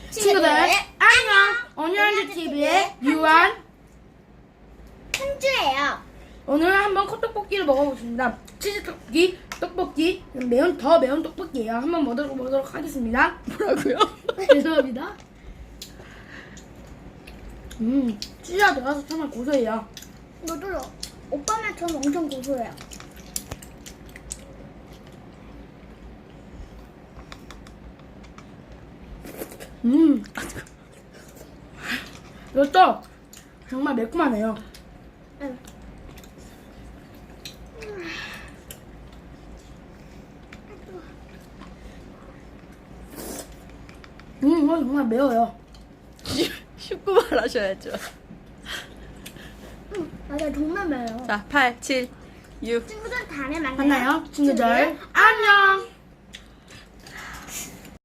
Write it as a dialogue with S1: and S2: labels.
S1: 친구들 안녕. 오늘은 TV의 유한
S2: 현주예요.
S1: 오늘 한번 컵떡볶이를 먹어보겠습니다. 치즈 떡볶이, 더 매운 떡볶이에요. 한번 먹어보도록 하겠습니다.
S3: 뭐라고요?
S1: 죄송합니다. 치즈가 들어가서 정말 고소해요.
S2: 너도 오빠만 전 엄청 고소해요.
S1: 이것도 정말 매콤하네요.
S2: 응.
S1: 이거 정말 매워요.
S3: 쉽고 말하셔야죠.
S2: 맞아, 정말 매워요.
S3: 자, 8, 7, 6.
S2: 친구들 다음에 만나요.
S1: 만나요, 친구들. 안녕.